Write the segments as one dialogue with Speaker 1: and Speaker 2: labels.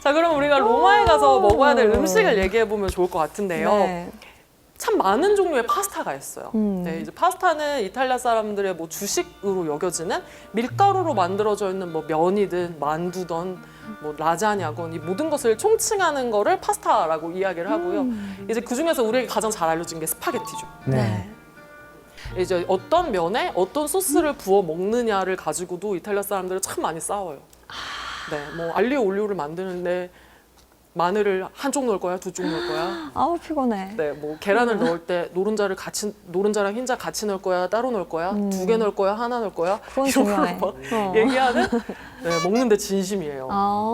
Speaker 1: 자, 그럼 우리가 로마에 가서 먹어야 될 음식을 얘기해 보면 좋을 것 같은데요.
Speaker 2: 네.
Speaker 1: 참 많은 종류의 파스타가 있어요. 네, 이제 파스타는 이탈리아 사람들의 뭐 주식으로 여겨지는 밀가루로 만들어져 있는 뭐 면이든 만두든 뭐 라자냐건 이 모든 것을 총칭하는 거를 파스타라고 이야기를 하고요. 이제 그 중에서 우리에게 가장 잘 알려진 게 스파게티죠.
Speaker 2: 네.
Speaker 1: 이제 어떤 면에 어떤 소스를 부어 먹느냐를 가지고도 이탈리아 사람들은 참 많이 싸워요. 네, 뭐 알리오 올리오를 만드는데 마늘을 한쪽 넣을 거야, 두 쪽 넣을 거야.
Speaker 2: 아우 피곤해.
Speaker 1: 네, 뭐 계란을 넣을 때 노른자랑 흰자 같이 넣을 거야, 따로 넣을 거야, 두 개 넣을 거야, 하나 넣을 거야.
Speaker 2: 그건
Speaker 1: 이런
Speaker 2: 중요해.
Speaker 1: 걸 막 얘기하는 네, 먹는데 진심이에요.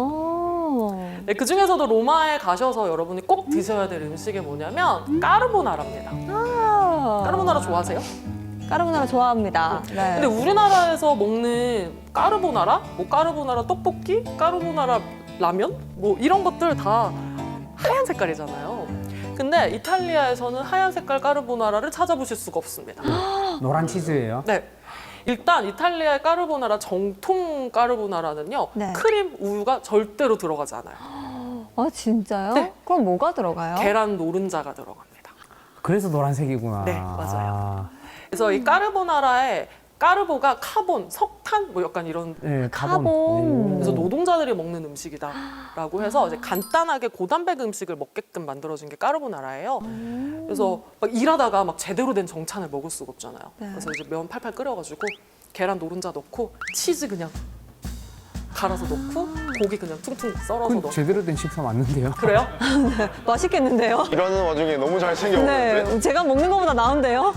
Speaker 2: 아.
Speaker 1: 네, 그 중에서도 로마에 가셔서 여러분이 꼭 드셔야 될 음식이 뭐냐면 까르보나라입니다. 까르보나라 좋아하세요?
Speaker 2: 까르보나라 좋아합니다. 네.
Speaker 1: 근데 우리나라에서 먹는 까르보나라, 뭐 까르보나라 떡볶이, 까르보나라 라면, 뭐 이런 것들 다 하얀 색깔이잖아요. 근데 이탈리아에서는 하얀 색깔 까르보나라를 찾아보실 수가 없습니다.
Speaker 3: 노란 치즈예요?
Speaker 1: 네. 일단 이탈리아의 까르보나라 정통 까르보나라는요.
Speaker 2: 네.
Speaker 1: 크림, 우유가 절대로 들어가지 않아요.
Speaker 2: 아 진짜요?
Speaker 1: 네.
Speaker 2: 그럼 뭐가 들어가요?
Speaker 1: 계란 노른자가 들어갑니다.
Speaker 3: 그래서 노란색이구나.
Speaker 1: 네, 맞아요.
Speaker 3: 아,
Speaker 1: 그래서 이 까르보나라에 까르보가 카본, 석탄 뭐 약간 이런
Speaker 3: 네,
Speaker 2: 카본.
Speaker 1: 그래서 노동자들이 먹는 음식이다라고 해서 이제 간단하게 고단백 음식을 먹게끔 만들어진 게 까르보나라예요. 그래서 막 일하다가 막 제대로 된 정찬을 먹을 수가 없잖아요.
Speaker 2: 네.
Speaker 1: 그래서 이제 면 팔팔 끓여가지고 계란 노른자 넣고 치즈 그냥 갈아서 넣고 고기 그냥 퉁퉁 썰어서
Speaker 3: 그건
Speaker 1: 넣고.
Speaker 3: 제대로 된 식사 맞는데요?
Speaker 1: 그래요?
Speaker 2: 맛있겠는데요?
Speaker 4: 일하는 와중에 너무 잘 챙겨 먹는데?
Speaker 2: 네, 제가 먹는 것보다 나은데요?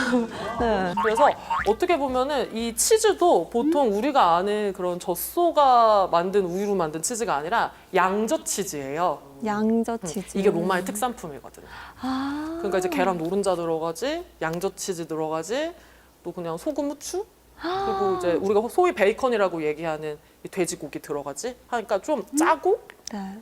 Speaker 2: 네.
Speaker 1: 그래서 어떻게 보면은 이 치즈도 보통 우리가 아는 그런 젖소가 만든 우유로 만든 치즈가 아니라 양젓 치즈예요.
Speaker 2: 양젓 치즈.
Speaker 1: 이게 로마의 특산품이거든요.
Speaker 2: 아.
Speaker 1: 그러니까 이제 계란 노른자 들어가지, 양젓 치즈 들어가지, 또 그냥 소금, 후추, 그리고 이제 우리가 소위 베이컨이라고 얘기하는 이 돼지고기 들어가지 하니까 좀 짜고
Speaker 2: 네.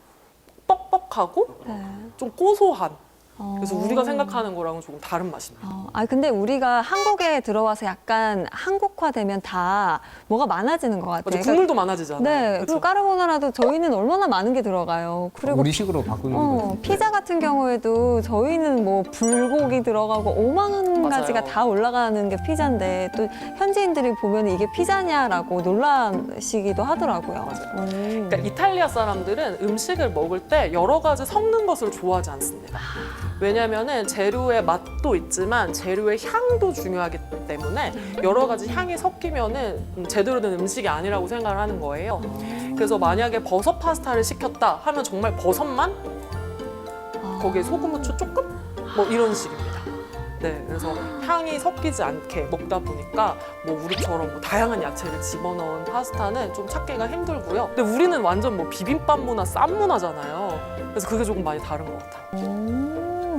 Speaker 1: 뻑뻑하고
Speaker 2: 네.
Speaker 1: 좀 고소한. 그래서
Speaker 2: 어.
Speaker 1: 우리가 생각하는 거랑은 조금 다른 맛입니다.
Speaker 2: 아 근데 우리가 한국에 들어와서 약간 한국화되면 다 뭐가 많아지는 것 같아요.
Speaker 1: 맞아, 국물도 많아지잖아요.
Speaker 2: 네.
Speaker 1: 그렇죠?
Speaker 2: 그리고 까르보나라도 저희는 얼마나 많은 게 들어가요. 그리고
Speaker 3: 우리식으로 바꾸는 거죠.
Speaker 2: 피자 같은 경우에도 저희는 뭐 불고기 들어가고 5만
Speaker 1: 맞아요.
Speaker 2: 가지가 다 올라가는 게 피자인데 또 현지인들이 보면 이게 피자냐라고 놀라시기도 하더라고요.
Speaker 1: 그러니까 이탈리아 사람들은 음식을 먹을 때 여러 가지 섞는 것을 좋아하지 않습니다. 왜냐면은 재료의 맛도 있지만 재료의 향도 중요하기 때문에 여러 가지 향이 섞이면은 제대로 된 음식이 아니라고 생각을 하는 거예요. 그래서 만약에 버섯 파스타를 시켰다 하면 정말 버섯만 거기에 소금, 후추 조금 뭐 이런 식입니다. 네, 그래서 향이 섞이지 않게 먹다 보니까 뭐 우리처럼 뭐 다양한 야채를 집어넣은 파스타는 좀 찾기가 힘들고요. 근데 우리는 완전 뭐 비빔밥 문화, 쌈 문화잖아요. 그래서 그게 조금 많이 다른 것 같아요.